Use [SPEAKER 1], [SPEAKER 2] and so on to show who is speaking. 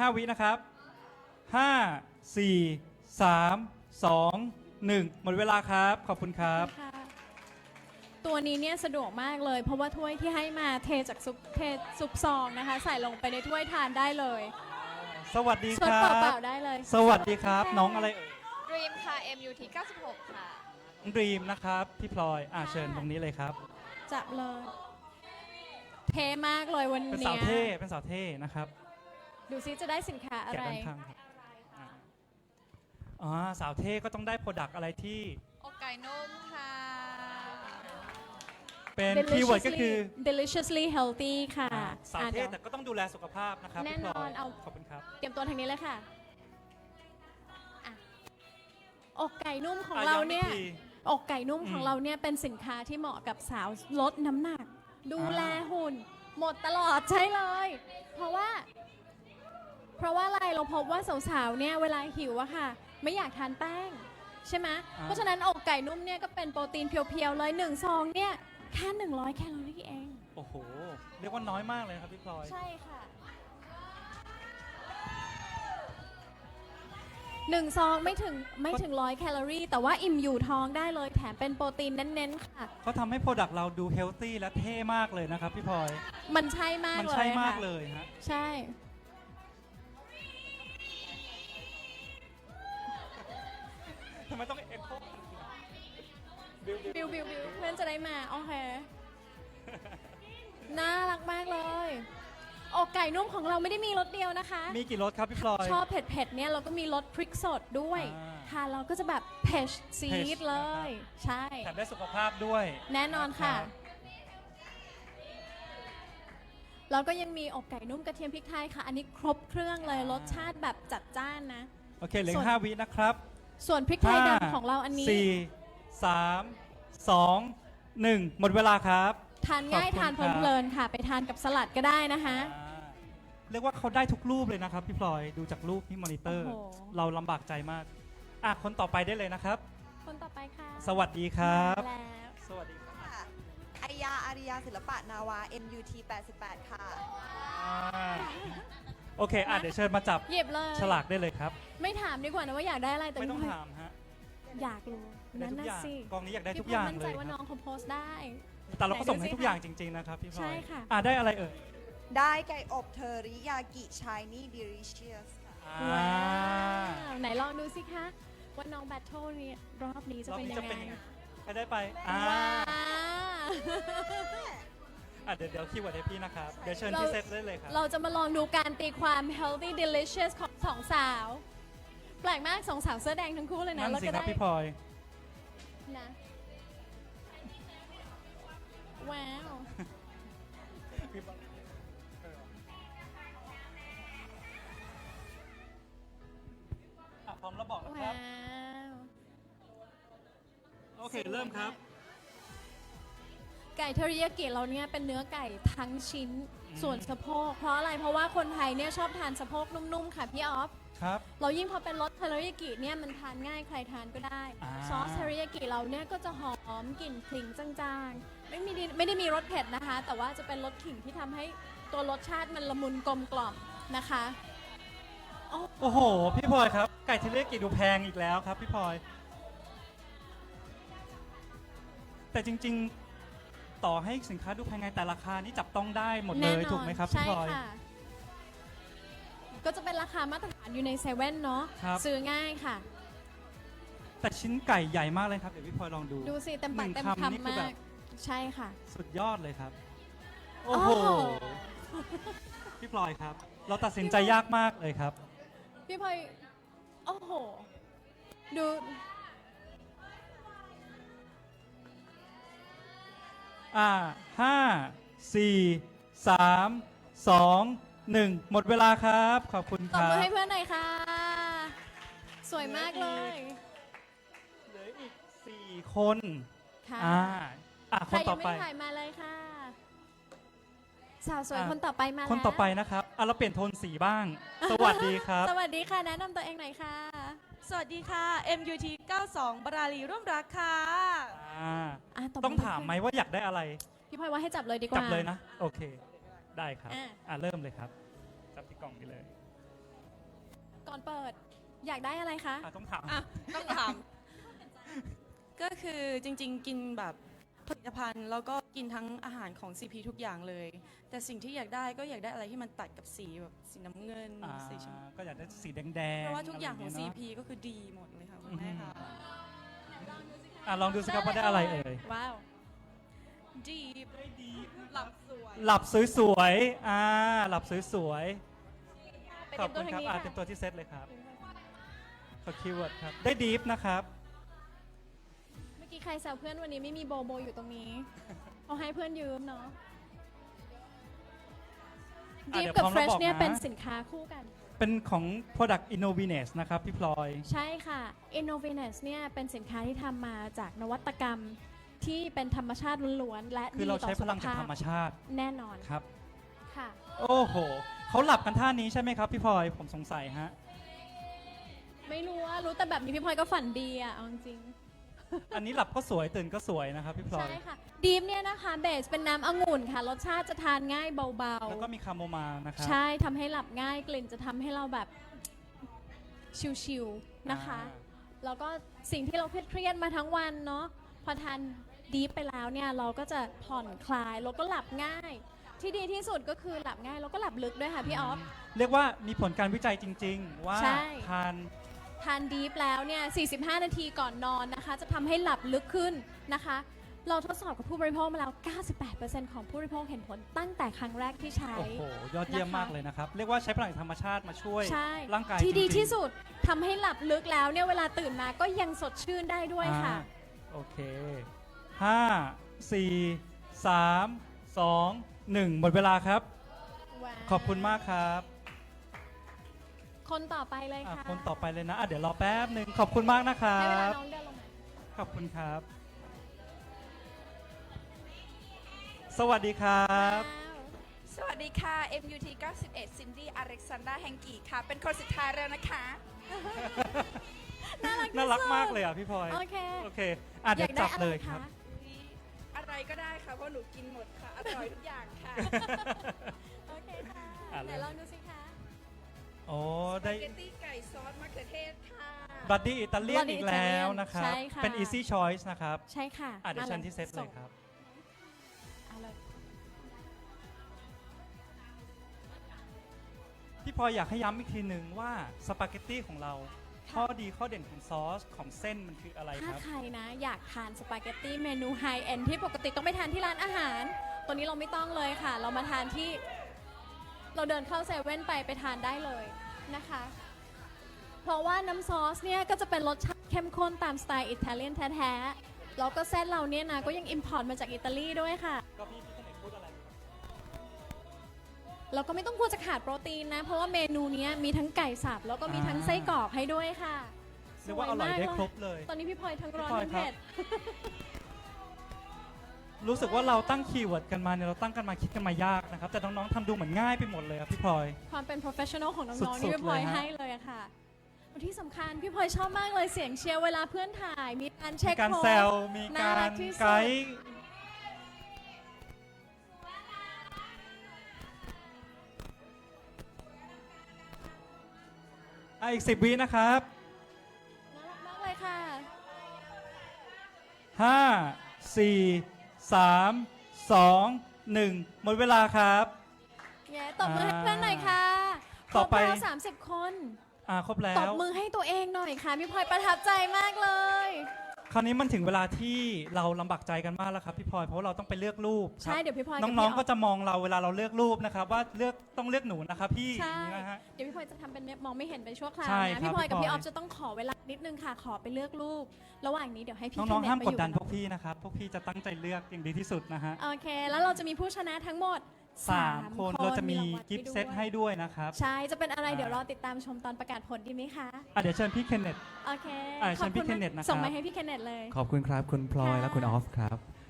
[SPEAKER 1] 5 วินะครับ5 4 3 2 1หมดเวลาครับขอบคุณครับ
[SPEAKER 2] ค่ะตัวนี้เนี่ยสะดวกมากเลย เพราะว่าถ้วยที่ให้มาเทจากซุปซองนะคะ ใส่ลงไปในถ้วยทานได้เลย
[SPEAKER 1] สวัสดี
[SPEAKER 2] สด
[SPEAKER 1] ครั
[SPEAKER 2] เปล่า
[SPEAKER 1] บ
[SPEAKER 2] ๆได้เลย
[SPEAKER 1] สวัสดีครับน้องอะไรเอ่ย
[SPEAKER 3] Dream ค่ะ MUT 96 ค่ะ
[SPEAKER 1] น้องดรีมนะครับพี่พลอยเชิญตรงนี้เลยครับ
[SPEAKER 2] จับเลย เทมากเลยวัน
[SPEAKER 1] เป็น
[SPEAKER 2] เนี้
[SPEAKER 1] สาวย เท่เป็นสาวเท่นะครับ
[SPEAKER 2] ดูซิจะได้สินค้าอะ
[SPEAKER 1] แกะ
[SPEAKER 2] ไร
[SPEAKER 1] ด้านข้างครับสาวเท่ก็ต้องได้โปรดักต์อะไรที่
[SPEAKER 3] อกไก่นุ่มค่ะ
[SPEAKER 1] เป็นคีย์เวิร์ดก็คือ
[SPEAKER 2] deliciously healthy ค่ะ
[SPEAKER 1] สาว
[SPEAKER 2] อ่ะ
[SPEAKER 1] เท่
[SPEAKER 2] เดี๋ยว
[SPEAKER 1] แต่ก็ต้องดูแลสุขภาพนะครับ
[SPEAKER 2] แน่
[SPEAKER 1] พี่พล
[SPEAKER 2] นอนเอา
[SPEAKER 1] ขอบคุณครับ
[SPEAKER 2] เตรียมตัวทางนี้เลยค่ะอ่ะอกไก่นุ่มของ
[SPEAKER 1] อ่ะ
[SPEAKER 2] เรา
[SPEAKER 1] ย้ำอีก
[SPEAKER 2] เนี่ย
[SPEAKER 1] ที
[SPEAKER 2] อกไก่นุ่มของเราเนี่ยเป็นสินค้าที่เหมาะกับสาวลดน้ำหนัก ดูแลหุ่น หมดตลอดใช่เลย เพราะว่าอะไรเราพบว่าสาวๆเนี่ยเวลาหิวอะค่ะ ไม่อยากทานแป้ง ใช่ไหมเพราะฉะนั้นอกไก่นุ่มเนี่ยก็เป็นโปรตีนเพียวๆเลย1 ซองเนี่ยแค่100 แคลอรี่เอง
[SPEAKER 1] โอ้โหเรียกว่าน้อยมากเลยครับพี่พลอย
[SPEAKER 2] ใช่ค่ะ1 ซองไม่ถึง100 แคลอรี่ แต่ว่าอิ่มอยู่ท้องได้เลยแถมเป็นโปรตีนเน้นๆค่ะ
[SPEAKER 1] เขาทำให้โปรดักต์เราดูเฮลตี้และเท่มากเลยนะครับพี่พลอย
[SPEAKER 2] มันใช่มาก
[SPEAKER 1] มัน
[SPEAKER 2] เลย
[SPEAKER 1] ใช่มาก
[SPEAKER 2] ค่ะ
[SPEAKER 1] เลยฮะ
[SPEAKER 2] ใช่
[SPEAKER 1] ทำไมต้องเอ็กโค
[SPEAKER 2] บิวเพื่อนจะได้มา โอเค น่ารักมากเลยอกไก่นุ่มของเราไม่ได้มีรสเดียวนะคะ
[SPEAKER 1] มีกี่รสครับพี่พลอย
[SPEAKER 2] ชอบเผ็ดๆเนี่ยเราก็มีรสพริกสดด้วย
[SPEAKER 1] อ่า
[SPEAKER 2] ทานเราก็จะแบบเผ็ดซี
[SPEAKER 1] เผ็
[SPEAKER 2] ด
[SPEAKER 1] ด
[SPEAKER 2] เล
[SPEAKER 1] นะครับ
[SPEAKER 2] ย ใช่
[SPEAKER 1] แถมได้สุขภาพด้วย
[SPEAKER 2] แน่นอนค่ะ
[SPEAKER 1] รับ
[SPEAKER 2] เราก็ยังมีอกไก่นุ่มกระเทียมพริกไทยค่ะ อันนี้ครบเครื่องเลยรสชาติแบบจัดจ้านนะ
[SPEAKER 1] โอเคเหลือ
[SPEAKER 2] ส่วน
[SPEAKER 1] 5 วินะครับ
[SPEAKER 2] ส่วนพริกไทยดำของเราอันนี้
[SPEAKER 1] 4 3 2 1หมดเวลาครับ
[SPEAKER 2] ทานง่าย
[SPEAKER 1] ขอบคุณ
[SPEAKER 2] ทาน
[SPEAKER 1] ครับ
[SPEAKER 2] เพลินๆค่ะ ไปทานกับสลัดก็ได้นะคะ
[SPEAKER 1] เรียกว่าเขาได้ทุกรูปเลยนะครับพี่พลอยดูจากรูปที่มอนิเตอร์
[SPEAKER 2] โอ้โห
[SPEAKER 1] เราลำบากใจมากคนต่อไปได้เลยนะครับ
[SPEAKER 2] คนต่อไปค่ะ
[SPEAKER 1] สวัสดีครับ
[SPEAKER 2] มาแล้ว
[SPEAKER 1] สวัสดีครับ
[SPEAKER 3] ค่ะอายาอาริยาศิลปะนาวา MUT 88 ค่ะ
[SPEAKER 1] อ่าโอเคเดี๋ยวเชิญมาจับ
[SPEAKER 2] หยิบเลย
[SPEAKER 1] ฉลากได้เลยครับ
[SPEAKER 2] ไม่ถามดีกว่านะว่าอยากได้อะไรแต่
[SPEAKER 1] ไม่ต้อง
[SPEAKER 2] พี่พลย
[SPEAKER 1] ถามฮะ
[SPEAKER 2] อยากรู้
[SPEAKER 1] ได้
[SPEAKER 2] นั่น
[SPEAKER 1] ทุก
[SPEAKER 2] น่ะ
[SPEAKER 1] อย่าง
[SPEAKER 2] สิ
[SPEAKER 1] กองนี้อยากได้ทุก
[SPEAKER 2] พี่
[SPEAKER 1] อย่าง
[SPEAKER 2] มั่น
[SPEAKER 1] เล
[SPEAKER 2] ใจ
[SPEAKER 1] ย
[SPEAKER 2] ว่า
[SPEAKER 1] ค
[SPEAKER 2] น้
[SPEAKER 1] รั
[SPEAKER 2] อบ งเขาโพสต์ได้
[SPEAKER 1] แต่เราก็ส่งให้
[SPEAKER 2] ไหนดูสิ
[SPEAKER 1] ทุกอย่างจริงๆนะครับพี่พลอย
[SPEAKER 2] ใช่ค่ะ
[SPEAKER 1] ได้อะไรเอ่ย
[SPEAKER 3] ได้ไก่อบเทอริยากิชายนี่ดิริเชียสค่ะ
[SPEAKER 2] ว้าวไหนลองดูสิคะว่าน้องแบทเทิลนี้รอบนี้จะ
[SPEAKER 1] รอบ
[SPEAKER 2] เป็น
[SPEAKER 1] นี้
[SPEAKER 2] ยั
[SPEAKER 1] จะ
[SPEAKER 2] ง
[SPEAKER 1] เป็น
[SPEAKER 2] ไง
[SPEAKER 1] ยังไงใครได้ไป
[SPEAKER 2] ว้าว
[SPEAKER 1] เดี๋ยวคีย์เวิร์ดให้พี่นะครับ เดี๋ยวเชิญพี่เซตได้เลยครับ
[SPEAKER 2] เราจะมาลองดูการตีความ healthy delicious ของสองสาว แปลกมากสองสาวเสื้อแดงทั้งคู่เลยนะ
[SPEAKER 1] นั่น
[SPEAKER 2] แล้ว
[SPEAKER 1] สิ
[SPEAKER 2] ก็
[SPEAKER 1] ครับ
[SPEAKER 2] ได้
[SPEAKER 1] พี่พลอย
[SPEAKER 2] นะว้าว
[SPEAKER 1] พร้อมแล้วบอกนะค
[SPEAKER 2] ว้า
[SPEAKER 1] รับ
[SPEAKER 2] ว
[SPEAKER 1] โอเค เริ่มครับ
[SPEAKER 2] ไก่เทอริยากิเราเนี่ยเป็นเนื้อไก่ทั้งชิ้นส่วนสะโพกเพราะอะไรเพราะว่าคนไทยเนี่ยชอบทานสะโพกนุ่มๆค่ะพี่ออฟ
[SPEAKER 1] ครับ
[SPEAKER 2] เรายิ่งพอเป็นรสเทอริยากิเนี่ยมันทานง่ายใครทานก็ได้
[SPEAKER 1] อ่า
[SPEAKER 2] ซอสเทอริยากิเราเนี่ยก็จะหอมกลิ่นขิงจางๆไม่ได้มีรสเผ็ดนะคะ แต่ว่าจะเป็นรสขิงที่ทำให้ตัวรสชาติมันละมุนกลมกล่อมนะคะ
[SPEAKER 1] โอ้โห พี่พลอยครับ ไก่เทเลกิดูแพงอีกแล้วครับพี่พลอย แต่จริงๆ ต่อให้สินค้าดูแพงไงแต่ราคานี่จับต้องได้หมดเล
[SPEAKER 2] แน่
[SPEAKER 1] ย
[SPEAKER 2] นอน
[SPEAKER 1] ถูกไหมครับพี่
[SPEAKER 2] ใช่
[SPEAKER 1] พลอย
[SPEAKER 2] ค่ะ ก็จะเป็นราคามาตรฐานอยู่ในเซเว่นเนาะ
[SPEAKER 1] ครับ
[SPEAKER 2] ซื้อง่ายค่ะ
[SPEAKER 1] แต่ชิ้นไก่ใหญ่มากเลยครับ เดี๋ยวพี่พลอยลองดู
[SPEAKER 2] ดูสิเต็มปาก
[SPEAKER 1] หนึ่ง
[SPEAKER 2] เต็ม
[SPEAKER 1] คำนี่
[SPEAKER 2] คำ
[SPEAKER 1] คือแบ
[SPEAKER 2] มา
[SPEAKER 1] บ
[SPEAKER 2] ก ใช่ค่ะ
[SPEAKER 1] สุดยอดเลยครับ โอ้โห
[SPEAKER 2] โอ้โห
[SPEAKER 1] พี่พลอยครับ เราตัดสินใจยากมากเลยครับ
[SPEAKER 2] พี่พลอยโอ้โห ดู
[SPEAKER 1] ห้าสี่สามสองหนึ่งหมดเวลาครับ ขอบคุณ
[SPEAKER 2] ต
[SPEAKER 1] ค
[SPEAKER 2] บ
[SPEAKER 1] รับ
[SPEAKER 2] มือให้เพื่อนหน่อยค่ะ สวยมากเลย
[SPEAKER 1] เหลืออีก4 คน
[SPEAKER 2] ค่ะ
[SPEAKER 1] คนต่อไป
[SPEAKER 2] ใครยังไม่ถ่ายมาเลยค่ะ สาวสวย
[SPEAKER 1] อ่ะ
[SPEAKER 2] คนต่อไปมาแล้ว
[SPEAKER 1] คนต่อไปนะครับเราเปลี่ยนโทนสีบ้าง สวัสดีครับ
[SPEAKER 2] สวัสดีค่ะ แนะนำตัวเองหน่อยค่ะ
[SPEAKER 4] สวัสดีค่ะ MUT 92 บราลีร่วมรักค่ะ
[SPEAKER 2] ตบ
[SPEAKER 1] ต้องถามไหมว่าอยากได้อะไร
[SPEAKER 2] พี่พลอยว่าให้จับเลยดีกว่า
[SPEAKER 1] จับเลยนะ โอเค ได้ครับ
[SPEAKER 2] อ่ะ
[SPEAKER 1] เริ่มเลยครับ จับที่กล่องนี้เลย
[SPEAKER 2] ก่อนเปิด อยากได้อะไรคะ
[SPEAKER 1] ต้องถาม
[SPEAKER 4] อ่ะต้องถาม ก็คือจริงๆ กินแบบผลิตภัณฑ์แล้วก็กินทั้งอาหารของ CP ทุกอย่างเลย แต่สิ่งที่อยากได้ก็อยากได้อะไรที่มันตัดกับสีแบบสีน้ำเงินสีชมพู
[SPEAKER 1] ก็อยากได้สีแดงๆ
[SPEAKER 4] เพราะว่าทุกอย่างของ
[SPEAKER 1] ะไร
[SPEAKER 4] CP ก็คือดีหมดเลยค่ะคุณแม่ค่ะ
[SPEAKER 1] ลองดูสิครับว่าได้อะไรเอ่ย
[SPEAKER 2] ว้าว
[SPEAKER 4] ดีหลับสวย
[SPEAKER 1] หลับสวยๆหลับสวย
[SPEAKER 2] ไป
[SPEAKER 1] ๆ ขอบคุณครับ
[SPEAKER 2] เตรียมตัวทางนี้ค่ะ
[SPEAKER 1] เต็มตัวที่เซตเลยครับ ขอคีย์เวิร์ดครับ ได้ดีฟนะครับ
[SPEAKER 2] เมื่อกี้ใครแซวเพื่อนวันนี้ไม่มีโบโบอยู่ตรงนี้ เอาให้เพื่อนยืมเนาะ
[SPEAKER 1] อ่ะ
[SPEAKER 2] Deep
[SPEAKER 1] เดี๋ยว
[SPEAKER 2] กับ
[SPEAKER 1] พร้อมแล้ว
[SPEAKER 2] Fresh เนี่ย
[SPEAKER 1] บอกนะ
[SPEAKER 2] เป็นสินค้าคู่กัน
[SPEAKER 1] เป็นของ Product Innoviness นะครับพี่พลอย
[SPEAKER 2] ใช่ค่ะ Innovinus เนี่ยเป็นสินค้าที่ทำมาจากนวัตกรรมที่เป็นธรรมชาติล้วนๆและ
[SPEAKER 1] คือ
[SPEAKER 2] ดี
[SPEAKER 1] เรา
[SPEAKER 2] ต่อ
[SPEAKER 1] ใช้พ
[SPEAKER 2] สุข
[SPEAKER 1] ลังจาก
[SPEAKER 2] ภา
[SPEAKER 1] ธ
[SPEAKER 2] พ
[SPEAKER 1] รรมชาติ
[SPEAKER 2] แน่นอน
[SPEAKER 1] ครับ
[SPEAKER 2] ค่ะ
[SPEAKER 1] โอ้โห เขาหลับกันท่านี้ใช่ไหมครับพี่พลอย ผมสงสัยฮะ
[SPEAKER 2] ไม่รู้ว่ารู้แต่แบบนี้พี่พลอยก็ฝันดีอ่ะเอาจริง
[SPEAKER 1] อันนี้หลับก็สวยตื่นก็สวยนะครับพี่พลอย
[SPEAKER 2] ใช่ค่ะดีฟเนี่ยนะคะเบสเป็นน้ำองุ่นค่ะ รสชาติจะทานง่ายเบา
[SPEAKER 1] แล้วก็มีคาโมไมล์นะครับ
[SPEAKER 2] ๆ ใช่ทำให้หลับง่ายกลิ่นจะทำให้เราแบบชิลๆนะคะ แล้วก็สิ่งที่เราเครียดๆมาทั้งวันเนาะพอทานดีฟไปแล้วเนี่ยเราก็จะผ่อนคลายแล้วก็หลับง่าย ที่ดีที่สุดก็คือหลับง่ายแล้วก็หลับลึกด้วยค่ะพี่ออฟ
[SPEAKER 1] เรียกว่ามีผลการวิจัยจริง ๆ ว่า
[SPEAKER 2] ใช่
[SPEAKER 1] ทาน
[SPEAKER 2] ดีฟแล้วเนี่ย 45 นาทีก่อนนอนนะคะ จะทำให้หลับลึกขึ้นนะคะ เราทดสอบกับผู้บริโภคมาแล้ว 98% ของผู้บริโภคเห็นผลตั้งแต่ครั้งแรกที่ใช้
[SPEAKER 1] โอ้โห ยอดเยี่ยม
[SPEAKER 2] นะคะ
[SPEAKER 1] มากเลยนะครับ เรียกว่าใช้พลังจากธรรมชาติมาช่วย
[SPEAKER 2] ใช่
[SPEAKER 1] ร่างกาย
[SPEAKER 2] ที่ดี
[SPEAKER 1] จริงๆ
[SPEAKER 2] ที่สุดทำให้หลับลึกแล้วเนี่ยเวลาตื่นมาก็ยังสดชื่นได้ด้วยค่ะ
[SPEAKER 1] โอเค 5 4 3 2 1 หมดเวลาครับ
[SPEAKER 2] ว้าว
[SPEAKER 1] ขอบคุณมากครับ
[SPEAKER 2] คนต่อไปเลยค่ะ
[SPEAKER 1] คนต่อไปเลยนะเดี๋ยวรอแป๊บหนึ่งขอบคุณมากนะครั
[SPEAKER 2] ให้เวลา
[SPEAKER 1] บ
[SPEAKER 2] น้องเดินลงมา
[SPEAKER 1] ขอบคุณครับ สวัสดีครับ
[SPEAKER 3] สวัสดีค่ะ MUT 91 ซินดี้อเล็กซานดราแฮงกีค่ะ เป็นคนสุดท้ายแล้วนะคะ
[SPEAKER 1] น่ารักมากเลยอ่ะพี่พลอย
[SPEAKER 2] โอเค
[SPEAKER 1] โอเคเดี๋ยวจับเลยครับ
[SPEAKER 3] อะไรก็ได้ค่ะ เพราะหนูกินหมดค่ะ อร่อยทุกอย่างค่ะ
[SPEAKER 2] โอเคค่ะ
[SPEAKER 1] อ่ะ
[SPEAKER 2] ไหนลองดูสิคะ
[SPEAKER 1] โอ้ได้
[SPEAKER 3] สปาเกตตี้ไก่ซอสมะเขือเทศค่ะ
[SPEAKER 1] บัดดี้อิตาเลียน
[SPEAKER 2] Buddy
[SPEAKER 1] อีกแล้วนะครับ
[SPEAKER 2] ใช่ค่ะ
[SPEAKER 1] เป็น easy choice นะครับ
[SPEAKER 2] ใช่ค่ะ
[SPEAKER 1] เดี๋ยว
[SPEAKER 2] มา
[SPEAKER 1] เชิญที่เซตเลยครับ
[SPEAKER 2] เอาเลย
[SPEAKER 1] พี่พลอยอยากให้ย้ำอีกทีหนึ่งว่าสปาเกตตี้ของเรา ข้อดีข้อเด่นของซอสของเส้นมันคืออะไรค
[SPEAKER 2] ถ้า
[SPEAKER 1] รับ
[SPEAKER 2] ใครนะอยากทานสปาเกตตี้เมนูไฮเอ็นที่ปกติต้องไปทานที่ร้านอาหาร ตัวนี้เราไม่ต้องเลยค่ะ เรามาทานที่ เราเดินเข้าเซเว่นไปทานได้เลยนะคะ เพราะว่าน้ำซอสเนี่ยก็จะเป็นรสชาติเข้มข้นตามสไตล์อิตาเลียนแท้ๆแล้วก็เส้นเราเนี่ยนะก็ยังอิมพอร์ตมาจากอิตาลีด้วยค่ะ
[SPEAKER 1] ก็พี่พี่พูดอะไร
[SPEAKER 2] เราก็ไม่ต้องกลัวจะขาดโปรตีนนะ เพราะว่าเมนูเนี้ยมีทั้งไก่สับแล้วก็มีทั้งไส้กรอกให้ด้วยค่ะ
[SPEAKER 1] เรียกว่าอร่อยได้ครบเลย
[SPEAKER 2] ตอนนี้พี่พลอยทั้งร้อน
[SPEAKER 1] พี่พลอย
[SPEAKER 2] ทั้ง
[SPEAKER 1] ครับ
[SPEAKER 2] เผ็ด
[SPEAKER 1] รู้สึกว่าเราตั้งคีย์เวิร์ดกันมาเนี่ยเราตั้งกันมาคิดกันมายากนะครับ แต่น้องๆทำดูเหมือนง่ายไปหมดเลยครับพี่พลอย
[SPEAKER 2] ความเป็น professional ของน้อง
[SPEAKER 1] สุ
[SPEAKER 2] ๆ
[SPEAKER 1] ดๆ
[SPEAKER 2] นี่พี่พลอย
[SPEAKER 1] เลยฮะ
[SPEAKER 2] ให้เลยอะค่ะที่สำคัญพี่พลอยชอบมากเลยเสียงเชียร์เวลาเพื่อนถ่าย มีการเช็
[SPEAKER 1] มี
[SPEAKER 2] ค
[SPEAKER 1] การ
[SPEAKER 2] โค้
[SPEAKER 1] แซ
[SPEAKER 2] ด
[SPEAKER 1] วมี
[SPEAKER 2] น่า
[SPEAKER 1] การ
[SPEAKER 2] รักที่สุด
[SPEAKER 1] ไกด์อีก 10 วินะครับ
[SPEAKER 2] น่ารักมากเลยค่ะ
[SPEAKER 1] 5 4 3 2 1 หมดเวลาครับ
[SPEAKER 2] แย่ตบมือให้เพื่อนหน่อยค่ะคร
[SPEAKER 1] ต่อบ ไป
[SPEAKER 2] แล้ว30 คน
[SPEAKER 1] ครบแล้
[SPEAKER 2] ตบ
[SPEAKER 1] ว
[SPEAKER 2] มือให้ตัวเองหน่อยค่ะ พี่พลอยประทับใจมากเลย
[SPEAKER 1] คราวนี้มันถึงเวลาที่เราลำบากใจกันมากแล้วครับพี่พลอยเพราะว่าเราต้องไปเลือกรูปค
[SPEAKER 2] ใช่
[SPEAKER 1] รับ
[SPEAKER 2] เดี๋ยวพี่พลอย
[SPEAKER 1] น้องๆก็จะมองเราเวลาเราเลือกรูปนะครับว่าต้องเลือกหนูนะครับพี่
[SPEAKER 2] ใช่
[SPEAKER 1] อย่างนี้นะฮะ
[SPEAKER 2] เดี๋ยวพี่พลอยจะทำเป็นมองไม่เห็นไปชั่วคราว
[SPEAKER 1] ใช่
[SPEAKER 2] นะครับ พี่พลอยกับ
[SPEAKER 1] พี่
[SPEAKER 2] พี่
[SPEAKER 1] พ
[SPEAKER 2] อ
[SPEAKER 1] ล
[SPEAKER 2] อ
[SPEAKER 1] อย
[SPEAKER 2] ฟจะต้องขอเวลานิดนึงค่ะ ขอไปเลือกรูป ระหว่างนี้เดี๋ยวให้พี่
[SPEAKER 1] น้องๆห้าม
[SPEAKER 2] ไป
[SPEAKER 1] ก
[SPEAKER 2] อ
[SPEAKER 1] ด
[SPEAKER 2] ยู่
[SPEAKER 1] ดัน
[SPEAKER 2] บ
[SPEAKER 1] พวกพี่นะครับพวกพี่จะตั้งใจเลือกอย่างดีที่สุดนะฮะ
[SPEAKER 2] โอเค แล้วเราจะมีผู้ชนะทั้งหมด
[SPEAKER 1] 3 คนเราจะมี
[SPEAKER 2] รางวัล
[SPEAKER 1] กิฟต์เซต
[SPEAKER 2] ด้วย
[SPEAKER 1] ให้ด้วยนะครับ
[SPEAKER 2] ใช่ จะเป็นอะไร
[SPEAKER 1] อ่า
[SPEAKER 2] เดี๋ยวรอติดตามชมตอนประกาศผลดีไหมคะ
[SPEAKER 1] เดี๋ยวเชิญพี่เคนเนต
[SPEAKER 2] โอเค
[SPEAKER 1] เชิญพี่
[SPEAKER 2] ขอบณ
[SPEAKER 1] เคนเนตนะครับ
[SPEAKER 2] ส่งมาให้พี่เคนเนตเลย
[SPEAKER 5] ขอบคุณครับ คุณพลอย
[SPEAKER 2] ค่ะ
[SPEAKER 5] และคุณออฟครับ